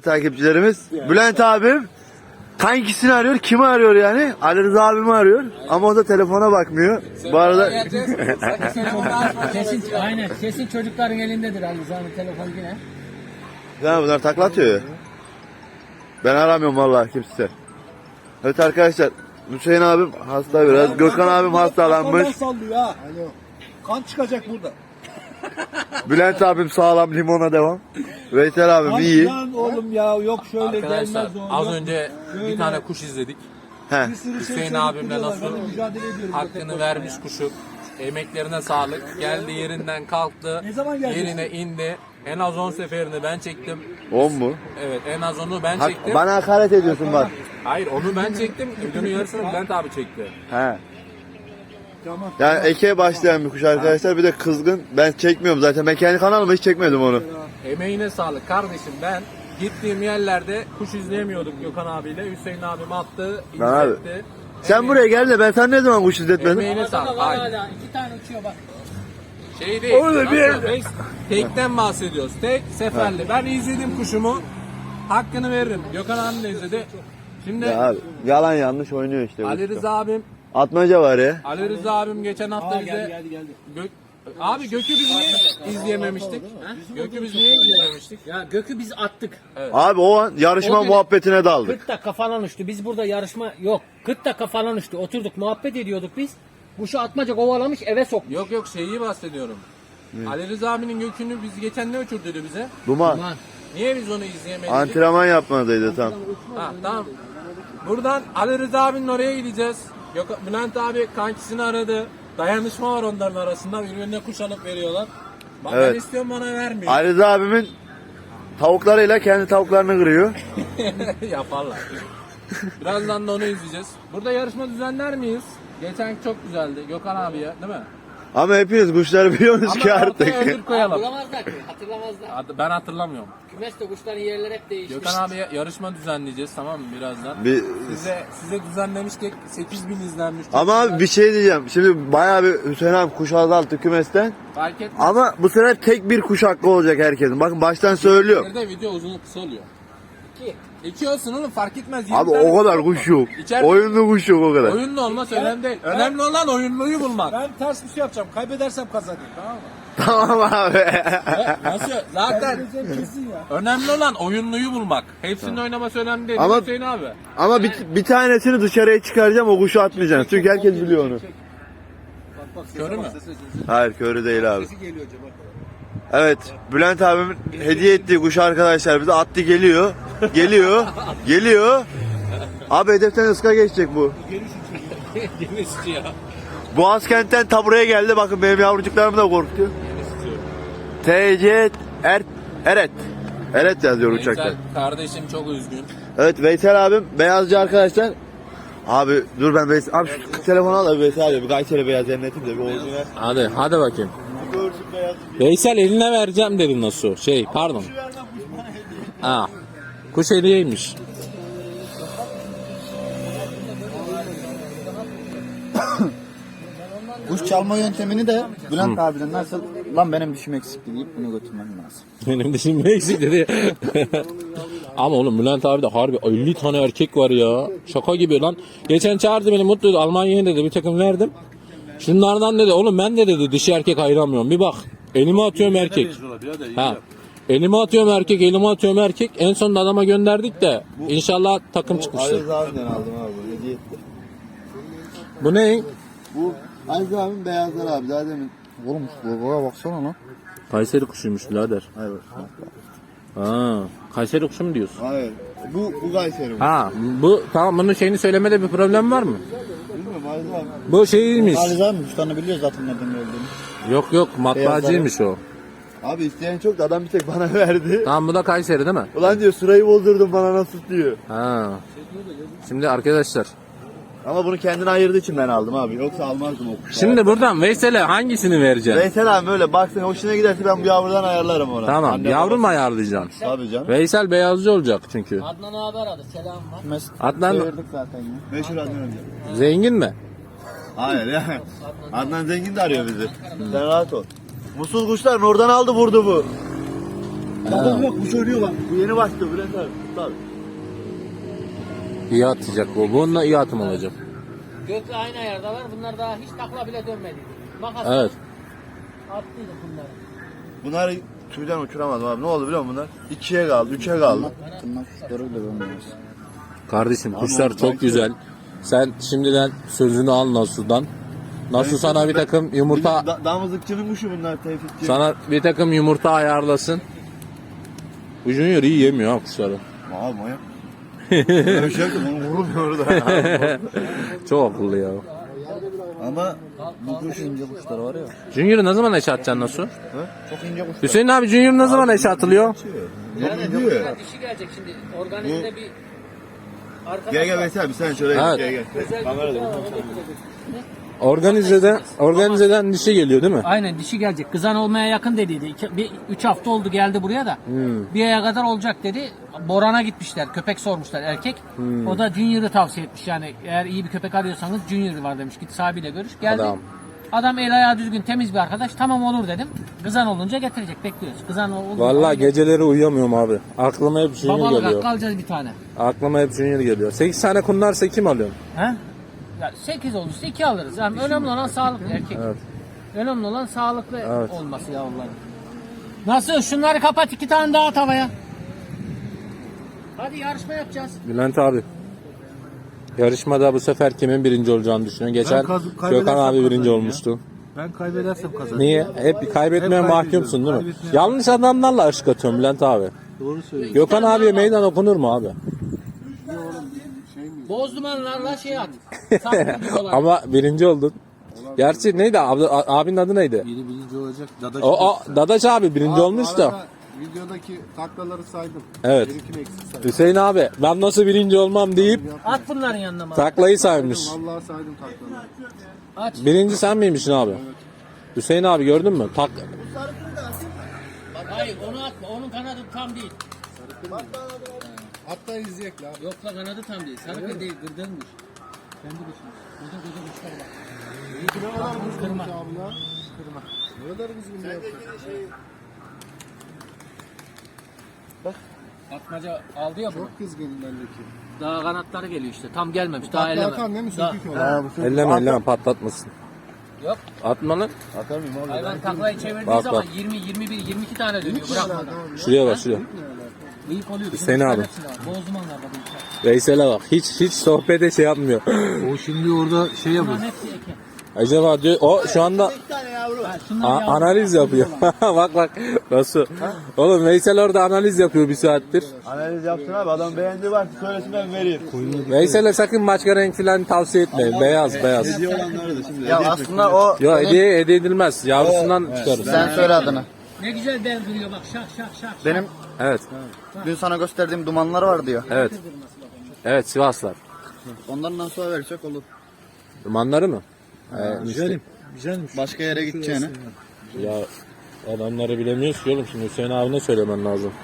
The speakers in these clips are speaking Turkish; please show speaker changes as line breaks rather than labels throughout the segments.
Takipçilerimiz Bülent abim hangisini arıyor, kimi arıyor yani? Ali Rıza abimi arıyor ama o da telefona bakmıyor. Bu arada
kesin çocukların elindedir Ali Rıza'nın telefonu yine.
ya bunlar takla atıyor ya. Ben aramıyorum vallahi kimse. Evet arkadaşlar, Hüseyin abim hasta biraz. Gökhan abim hastalanmış.
Sallıyor ha. Kan çıkacak burada.
Bülent abim sağlam, limona devam. Veysel abim iyi.
Lan oğlum ya, yok şöyle
Arkadaşlar
gelmez o.
az
yok.
önce
Şöyle.
bir tane kuş izledik.
He.
Bir sürü şey
Hüseyin
söyleyip
abimle
duruyorlar.
nasıl
Ben de mücadele ediyorum.
hakkını vermiş kuşu. Emeklerine sağlık. Geldi yerinden kalktı.
Ne zaman geldin?
Yerine indi. En az 10 seferini ben çektim.
10 mu?
Evet, en az onu ben çektim.
Bana hakaret ediyorsun bak.
Hayır, onu ben çektim. Ödünün yarısını Bülent abi çekti.
He.
Tamam.
Yani eke başlayan bir kuş arkadaşlar, bir de kızgın. Ben çekmiyorum zaten. Ben kendi kanalıma hiç çekmedim onu.
Emeğine sağlık kardeşim. Ben gittiğim yerlerde kuş izleyemiyorduk Gökhan abiyle. Hüseyin abim attı,
Lan abi,
izletti.
sen buraya gel de ben sana ne zaman kuş izletmedim?
Emeğine sağlık.
Var
Hayır.
hala 2 tane uçuyor bak.
Şey değil.
Orada bir
nasıl? Tekten bahsediyoruz. Tek seferli. Ben izledim kuşumu. Hakkını veririm. Gökhan abi de izledi. Şimdi
Ya abi, yalan yanlış oynuyor işte.
Ali
bu.
Rıza abim
Atmaca var ya.
Ali Rıza abim geçen hafta bize
Geldi.
Abi Gök'ü biz niye izleyememiştik? Gök'ü biz niye izleyememiştik?
Ya Gök'ü biz attık.
Abi o an yarışma
O gün-
muhabbetine daldık.
40 dakika falan uçtu. Biz burada yarışma yok. 40 dakika falan uçtu. Oturduk muhabbet ediyorduk biz. Kuşu atmaca kovalamış eve soktu.
Yok şeyi bahsediyorum. Ali Rıza abinin Gök'ünü biz geçen ne uçurduydu bize?
Duman.
Aman.
Niye biz onu izleyemedik?
Antrenman yapmadıydı tam.
Ha, tamam. Buradan Ali Rıza abinin oraya gideceğiz. Bülent abi kankisini aradı. Dayanışma var onların arasında. Birbirine kuş alıp veriyorlar. Bak
Evet.
ben istiyorum, bana vermiyor.
Ali Rıza abimin tavuklarıyla kendi tavuklarını kırıyor.
Yaparlar. Birazdan da onu izleyeceğiz. Burada yarışma düzenler miyiz? Geçen çok güzeldi. Gökhan abiye değil mi?
Ama hepiniz kuşları biliyorsunuz ki
Ama
artık.
ortaya ödül koyalım.
Hatırlamazlar ki. Hatırlamazlar.
Ben hatırlamıyorum.
Kümeste kuşların yerleri hep değişmiş.
Gökhan abiye yarışma düzenleyeceğiz, tamam mı, birazdan?
Bir-
Size düzenlemiştik. 8000 izlenmiş. Çok
Ama
güzel.
bir şey diyeceğim. Şimdi bayağı bir Hüseyin abi kuş azalttı kümesten.
Fark etmez.
Ama bu sefer tek bir kuş hakkı olacak herkesin. Bakın baştan söylüyorum.
Nerede video uzun kısa oluyor?
2.
2 olsun oğlum, fark etmez.
Abi
20 tane
o kadar kuş yok.
İçeride-
Oyunlu kuş yok o kadar.
Oyunlu olmaz önemli değil. Önemli olan oyunluyu bulmak.
Ben ters bir şey yapacağım. Kaybedersem kazanayım, tamam mı?
Tamam abi.
Nasıl? Zaten
Kaybedeceğim kesin ya.
önemli olan oyunluyu bulmak. Hepsinin oynaması önemli değil.
Ama-
Hüseyin abi.
Ama bir tanesini dışarıya çıkaracağım, o kuşu atmayacaksın. Çünkü herkes biliyor onu.
Bak
Körü mü?
Hayır, körü değil abi.
Sesi geliyor acaba.
Evet, Bülent abimin hediye ettiği kuş arkadaşlar bize attı, geliyor. Geliyor. Abi hedeften ıska geçecek bu.
Genişçi ya.
Boğazkent'ten ta buraya geldi. Bakın benim yavrucuklarımı da korkutuyor. TC Eret. Eret yazıyor uçakta.
Veysel kardeşim çok üzgün.
Evet, Veysel abim beyazcı arkadaşlar. Abi dur, ben Veysel abi şu telefonu al da Veysel abi bir Kayseri beyaz cennetim de bir orijinal.
Hadi bakayım.
Bir görsün beyaz.
Veysel eline vereceğim dedin nasıl? Pardon. Ha. Kuş hediyeymiş.
Kuş çalma yöntemini de Bülent abiden nasıl lan benim dişim eksikti deyip bunu götürmem lazım.
Benim dişim eksik dedi. Ama oğlum Bülent abi de harbi 50 tane erkek var ya. Şaka gibi lan. Geçen çağırdı beni, mutluydu. Almanya'ya dedi, bir takım verdim. Şunlardan dedi oğlum, ben de dedi dişi erkek ayıramıyorum. Bir bak. Elime atıyorum erkek. Ha. Elime atıyorum erkek. En sonunda adama gönderdik de inşallah takım çıkmıştır.
Aziz abimden aldım abi, hediye etti.
Bu ne?
Bu Aziz abimin beyazları abi, daha demin.
Oğlum logoya baksana lan.
Kayseri kuşuymuş birader.
Hayır.
Ha. Kayseri kuşu mu diyorsun?
Hayır. Bu Kayseri.
Ha. Bu tamam, bunun şeyini söylemede bir problem var mı?
Bilmiyorum Aziz abi.
Bu şeymiş.
Ali abi kuşlarını biliyor zaten nereden geldiğini.
Yok matbaacıymış o.
Abi isteyen çok da adam bir tek bana verdi.
Tamam, bu da Kayseri değil mi?
Ulan diyor, sırayı bozdurdun bana nasıl diyor.
Ha. Şimdi arkadaşlar.
Ama bunu kendine ayırdığı için ben aldım abi. Yoksa almazdım o kuşu.
Şimdi buradan Veysel'e hangisini vereceksin?
Veysel abi öyle baksın, hoşuna giderse ben bu yavrudan ayarlarım ona.
Tamam,
Anne
yavru mu
babası.
ayarlayacaksın?
Tabii canım.
Veysel beyazcı olacak çünkü.
Adnan abi aradı. Selam var.
Adnan
Çevirdik zaten ya.
Meşhur Adnan önce.
zengin mi?
Hayır ya. Adnan zengin de arıyor bizi. Sen rahat ol. Musul kuşlar oradan aldı vurdu bu. Adam yok, kuş oynuyor bak. Bu yeni başlıyor Bülent abi. Tut abi.
İyi atacak bu. Bununla iyi atım olacak.
Gökle aynı ayardalar. Bunlar daha hiç takla bile dönmedi. Makas
Evet.
attıydık bunları.
Bunları tüyden uçuramadım abi. Ne oldu biliyor musun bunlar? 2'ye kaldı, 3'e kaldı.
Tırnak kuşları bile olmuyoruz.
Kardeşim kuşlar çok güzel. Sen şimdiden sözünü al Nasuh'dan. Nasuh sana bir takım yumurta
Damızlıkçının kuşu bunlar Tevfikçi.
sana bir takım yumurta ayarlasın. Bu Junior iyi yemiyor ha kuşları.
Abi manyak. Öyle bir şey yaptım onu vurulmuyor da.
Çok akıllı ya.
Ama
Bu kuş ince kuşlar var ya.
Junior'u ne zaman eşe atacaksın Nasuh?
Çok ince kuş.
Hüseyin abi Junior ne zaman eşe atılıyor?
Yani
diyor.
dişi gelecek şimdi. Organizde bir arkadaş
Gel
var.
Veysel abi sen şöyle
Evet.
gel.
Özel
Kamerada.
bir şey var, onu getirecek.
Organizeden dişi geliyor değil mi?
Aynen dişi gelecek. Kızan olmaya yakın dediydi. 3 hafta oldu geldi buraya da. Bir aya kadar olacak dedi. Boran'a gitmişler. Köpek sormuşlar erkek. O da Junior'ı tavsiye etmiş. Yani eğer iyi bir köpek arıyorsanız Junior var demiş. Git sahibiyle görüş. Geldi. Adam el ayağı düzgün temiz bir arkadaş. Tamam olur dedim. Kızan olunca getirecek. Bekliyoruz. Kızan olunca.
Vallahi geceleri uyuyamıyorum abi. Aklıma hep Junior
Babalık
geliyor.
hakkı alacağız bir tane.
Aklıma hep Junior geliyor. 8 tane kunlarsa kim alıyorsun?
He? Ya 8 olursa 2 alırız. Yani önemli olan sağlıklı erkek.
Evet.
Önemli olan sağlıklı
Evet.
olması yavruların. Nasıl? Şunları kapat 2 tane daha at havaya. Hadi yarışma yapacağız.
Bülent abi. Yarışmada bu sefer kimin birinci olacağını düşünüyorsun? Geçen
kaybedersem
Gökhan abi birinci
kazanırım ya.
olmuştu.
Ben kaybedersem kazanırım.
Niye? Hep kaybetmeye
Hep
mahkumsun değil mi?
kaybetmeye-
Yanlış adamlarla aşk atıyorum Bülent abi.
Doğru söylüyorsun.
Gökhan abiye meydan okunur mu abi?
Boz dumanlarla şey at. Saklı olan.
Ama birinci oldun. Gerçi neydi? Abinin adı neydi?
Biri birinci olacak. Dadaş.
O Dadaş abi birinci olmuş da.
Videodaki taklaları saydım.
Evet.
Benimkini eksik saydım.
Hüseyin abi ben nasıl birinci olmam deyip
At bunların yanına mı?
taklayı saymış.
Vallahi saydım taklaları.
Aç.
Birinci sen miymişsin abi? Hüseyin abi gördün mü?
Hayır onu atma. Onun kanadı tam değil.
Hatta izleyek la.
Yok la kanadı tam değil. Sarı değil. Gırdırmış. Kendi kuşumuz. Burada koca kuşlar var. Kırma.
Ne kadar düzgün bir yaptı.
Atmaca aldı ya bunu.
Çok kızgın bendeki.
Daha kanatları geliyor işte. Tam gelmemiş. Daha
Takla
eleme.
atan değil mi?
Daha-
Sökük olan.
Elleme patlatmasın.
Yok.
Atma lan.
Atar mıyım abi?
Hayvan taklayı çevirdiği
Bak,
zaman
bak.
20, 21, 22 tane dönüyor. Bırakmadan.
Şuraya bak şuraya.
Bıyık oluyor.
Hüseyin abi.
Boz dumanlarda bıyıklar.
Veysel'e bak. Hiç sohbete şey yapmıyor.
O şimdi orada şey yapıyor.
Bunların hepsi eke.
Acaba diyor o şu anda
Ha, şunlar yavru.
analiz yapıyor. bak nasıl? Oğlum Veysel orada analiz yapıyor bir saattir.
Analiz yapsın abi adam beğendi var söylesin ben vereyim.
Veysel'e sakın başka renk falan tavsiye etmeyin. Beyaz.
Hediye olanları da şimdi.
Ya aslında o
Yo hediye edilmez. Yavrusundan çıkarır.
sen söyle adını.
Ne güzel bel duruyor bak şak şak şak.
Benim
Evet.
dün sana gösterdiğim dumanlar var diyor.
Evet. Evet Sivaslar.
Ondan nasıl versek olur.
Dumanları mı? Işte,
Güzelmiş.
Başka yere gideceğine.
ya adamları bilemiyoruz ki oğlum. Şimdi Hüseyin abine söylemen lazım.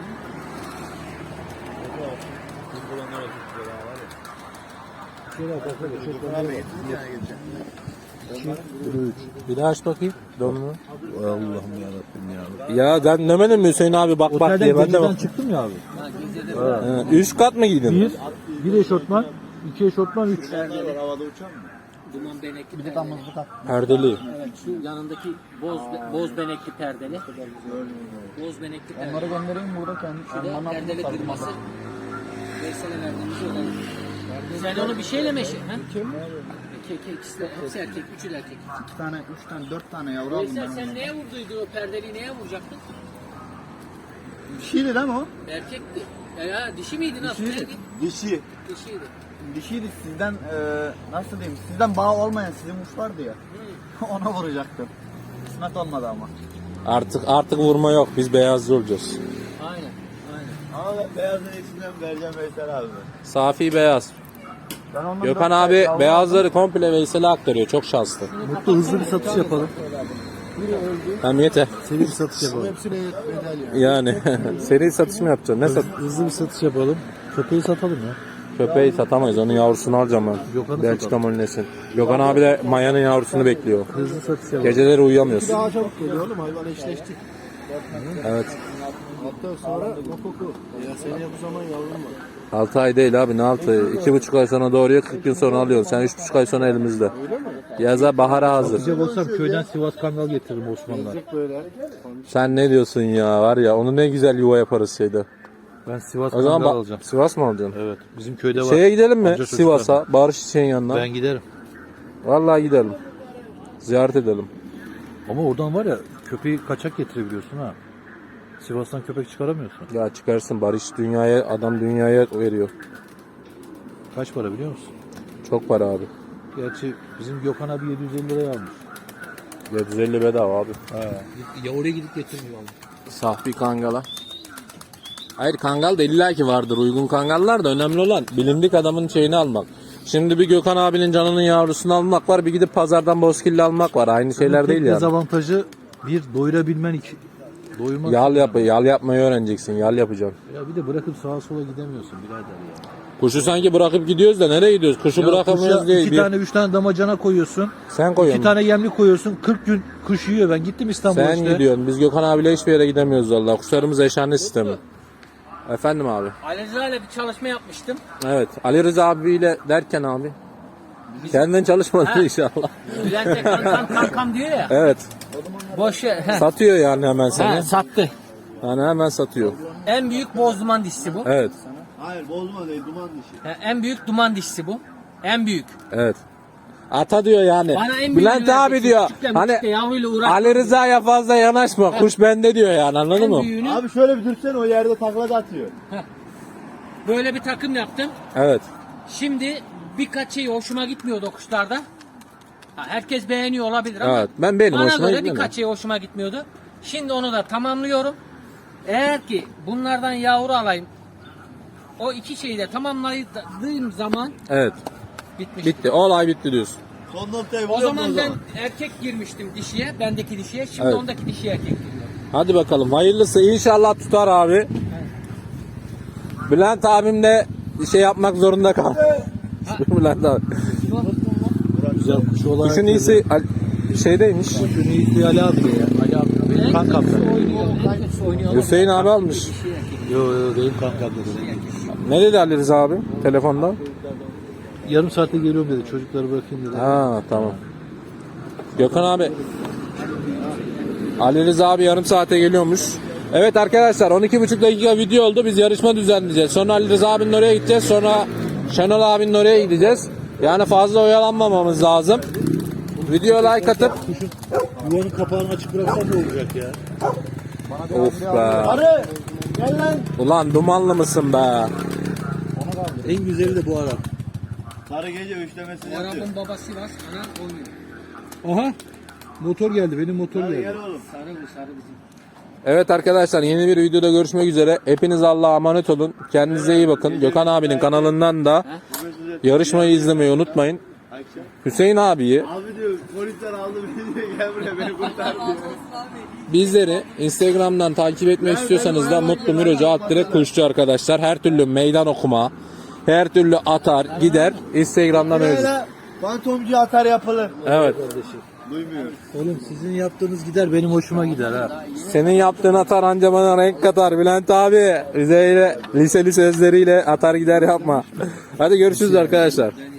Bir daha aç bakayım. Donunu.
Allah'ım yarabbim ya.
Ya ben demedim mi Hüseyin abi bak bak diye. Ben de bak.
çıktım ya abi.
Üst kat mı giydin?
Bir eşortman, 2 eşortman, 3.
Havada uçan mı?
Duman benekli.
Bir de damızlık tak.
Perdeli.
Evet şu yanındaki boz benekli perdeli. Boz benekli perdeli.
Onları göndereyim burada kendi.
Bir de perdeli kırması. Veysel'e verdiğimiz olan. Sen onu bir şeyle mi eşit? İkisi de, hepsi erkek, üçü de erkek.
2 tane, 3 tane, 4 tane yavru aldım
Veysel
ben.
sen neye vurduydu o perdeliği neye vuracaktın?
Bir şeydi değil mi o?
Erkekti. Ya dişi miydi nasıl? Neydi?
Dişi.
Dişiydi.
Dişiydi sizden nasıl diyeyim sizden bağ olmayan sizin kuş vardı ya. Ona vuracaktım. Kısmet olmadı ama.
Artık vurma yok. Biz beyazlı olacağız.
Aynen. Aynen.
Ama ben beyazın içinden vereceğim Veysel abi.
Safi beyaz.
Ben ondan
Gökhan
4
abi
tane yavru
beyazları komple Veysel'e aktarıyor. Çok şanslı.
Mutlu hızlı bir satış yapalım.
Hem yeter.
Seri bir satış yapalım. Hepsine bedel ya.
Yani seri satış mı yapacaksın? Ne sat?
Hızlı bir satış yapalım. Köpeği satalım ya.
Köpeği satamayız. Onun yavrusunu alacağım ben.
Gökhan'ı
Belçika Molines'in. Gökhan abi de Maya'nın yavrusunu bekliyor.
Hızlı satış yapalım.
Geceleri uyuyamıyoruz.
Daha çabuk geliyor oğlum hayvan eşleştik.
Evet.
Hatta sonra mokoku. Ya seneye bu zaman yavrum var.
6 ay değil abi, ne 6 ay? 2,5 ay sonra doğuruyor, 40 gün sonra alıyorsun. Sen 3,5 ay sonra elimizde. Yaza bahara hazır.
Sıcak olsam köyden Sivas Kangal getiririm Osmanlılar.
Sen ne diyorsun ya, var ya onu ne güzel yuva yaparız şeyde.
Ben Sivas
O zaman
Kangal alacağım.
Sivas mı alacaksın?
Evet. Bizim köyde var.
Şeye gidelim mi?
Amca çocuklar.
Sivas'a, Barış Çiçek'in yanına.
Ben giderim.
Vallahi gidelim. Ziyaret edelim.
Ama oradan var ya köpeği kaçak getirebiliyorsun ha. Sivas'tan köpek çıkaramıyorsun.
Ya çıkarsın, Barış adam dünyaya veriyor.
Kaç para biliyor musun?
Çok para abi.
Gerçi bizim Gökhan abi 750 liraya almış.
750 bedava abi.
Ya oraya gidip getirmiyor abi.
Sahbi kangala. Hayır, kangal da illaki vardır. Uygun kangallar da, önemli olan bilindik adamın şeyini almak. Şimdi bir Gökhan abinin canının yavrusunu almak var, bir gidip pazardan bozkilli almak var. Aynı şeyler değil yani.
Dezavantajı bir doyurabilmen, iki doyurmak.
Yal yapmayı öğreneceksin. Yal yapacaksın.
Ya bir de bırakıp sağa sola gidemiyorsun birader ya.
Kuşu sanki bırakıp gidiyoruz da nereye gidiyoruz? Kuşu
Ya
bırakamıyoruz
kuşa
diye.
2 tane 3 tane damacana koyuyorsun.
Sen
2
koyuyorsun.
tane yemli koyuyorsun. 40 gün kuş yiyor. Ben gittim İstanbul'a
Sen
işte.
gidiyorsun. Biz Gökhan abiyle hiçbir yere gidemiyoruz vallahi. Kuşlarımız eşhane sistemi. Efendim abi.
Ali Rıza ile bir çalışma yapmıştım.
Evet. Ali Rıza abiyle derken abi. Kendin çalışmadın inşallah.
Bülent'e kankam diyor ya.
Evet.
Boş ver.
Satıyor yani hemen seni.
Sattı.
Yani hemen satıyor.
En büyük boz duman dişisi bu.
Evet.
Hayır bozma değil duman dişi.
En büyük duman dişisi bu. En büyük.
Evet. Ata diyor yani.
Bana en büyük
Bülent abi diyor. Hani
yavruyla uğraş.
Ali Rıza'ya fazla yanaşma. Kuş bende diyor yani, anladın
En
mı?
büyüğünü
Abi şöyle bir dursana o yerde takla da atıyor.
böyle bir takım yaptım.
Evet.
Şimdi birkaç şey hoşuma gitmiyordu o kuşlarda. Ha, herkes beğeniyor olabilir ama
Evet. Benim
bana
hoşuma
göre
gitmedi.
birkaç şey hoşuma gitmiyordu. Şimdi onu da tamamlıyorum. Eğer ki bunlardan yavru alayım, o iki şeyi de tamamladığım zaman
Evet.
bitmiş.
Bitti. Olay bitti diyorsun.
Son noktayı
O
buluyor mu
zaman ben erkek girmiştim dişiye, bendeki dişiye. Şimdi
Evet.
ondaki dişiye erkek giriyor.
Hadi bakalım. Hayırlısı. İnşallah tutar abi. Bülent abim de şey yapmak zorunda kaldı. Bülent abi.
Güzel kuş olarak.
Kuşun iyisi şeydeymiş.
Kuşun iyisi Ali abi de ya. Ali abi benim kankam.
Oynuyor.
Hüseyin abi almış.
Yo benim kankam dedi.
Ne dedi Ali Rıza abi telefonda?
Yarım saatte geliyorum dedi. Çocukları bırakayım dedi.
Ha tamam. Gökhan abi. Ali Rıza abi yarım saate geliyormuş. Evet arkadaşlar, 12,5 dakika video oldu. Biz yarışma düzenleyeceğiz. Sonra Ali Rıza abinin oraya gideceğiz. Sonra Şenol abinin oraya gideceğiz. Yani fazla oyalanmamamız lazım. Video like atıp
Yuvanın kapağını açık bıraksan ne olacak ya?
of be.
Arı gel lan.
Ulan dumanlı mısın be?
En güzeli de bu ara.
Sarı gece üçlemesini yapıyor.
Arabın babası Sivas, ana oynuyor.
Aha. Motor geldi. Benim motor
Sarı
geldi.
gel oğlum.
Sarı bu, sarı bizim.
Evet arkadaşlar, yeni bir videoda görüşmek üzere. Hepiniz Allah'a emanet olun. Kendinize iyi bakın. Gökhan abinin kanalından da yarışmayı izlemeyi unutmayın. Hüseyin abiyi,
Abi diyor polisler aldı beni diyor gel buraya beni kurtar diyor.
bizleri Instagram'dan takip etmek istiyorsanız da Mutlu Mirocu @ Kuşçu arkadaşlar. Her türlü meydan okuma, her türlü atar gider Instagram'dan mevcut.
Böyle fantomcu atar yapılır.
Evet.
Duymuyor.
Oğlum sizin yaptığınız gider benim hoşuma gider ha.
Senin yaptığın atar anca bana renk katar Bülent abi. Liseli sözleriyle atar gider yapma. Hadi görüşürüz arkadaşlar.